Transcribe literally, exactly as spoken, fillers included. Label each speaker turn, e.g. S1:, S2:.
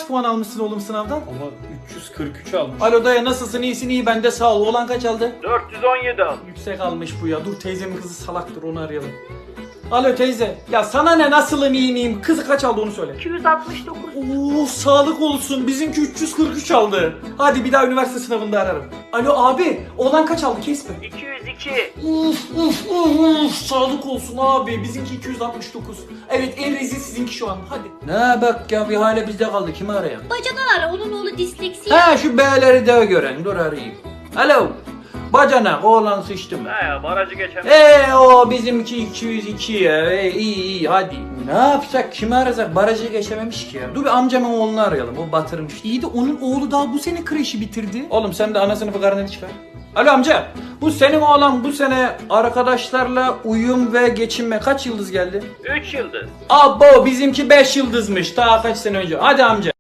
S1: puan almışsın oğlum sınavdan?
S2: Ama üç yüz kırk üç almış.
S1: Alo dayı nasılsın, iyisin? İyi ben de sağ ol. Oğlan kaç aldı?
S3: dört yüz on yedi al.
S1: Yüksek almış bu ya. Dur teyzemin kızı salaktır, onu arayalım. Alo teyze. Ya sana ne, nasılım iyi miyim? Kızı kaç aldı onu söyle.
S4: iki yüz altmış dokuz.
S1: Oo sağlık olsun. Bizimki üç yüz kırk üç aldı. Hadi bir daha üniversite sınavında ararım. Alo abi. Oğlan kaç aldı kesme.
S3: iki yüz iki.
S1: Uf uf uf uf. Sağlık olsun abi. Bizimki iki yüz altmış dokuz. Evet en rezil sizinki şu an. Hadi. Ne bak ya, bir hale bizde kaldı. Kimi arayalım?
S4: Bacadan ara, onun oğlu disleksi.
S1: Ha şu B'leri de gören. Dur arayayım. Alo. Bacanak oğlan sıçtı mı?
S3: He ya barajı geçen.
S1: Eee o bizimki iki yüz iki ya. Ee, iyi iyi hadi. Ne yapsak, kimi arasak? Barajı geçememiş ki ya. Dur bir amcamın oğlunu arayalım, o batırmış. İyi de onun oğlu daha bu sene kreşi bitirdi. Oğlum sen de ana sınıfı karneni çıkar. Alo amca, bu senin oğlan bu sene arkadaşlarla uyum ve geçinme kaç yıldız geldi?
S3: üç yıldız.
S1: Abo bizimki beş yıldızmış daha kaç sene önce. Hadi amca.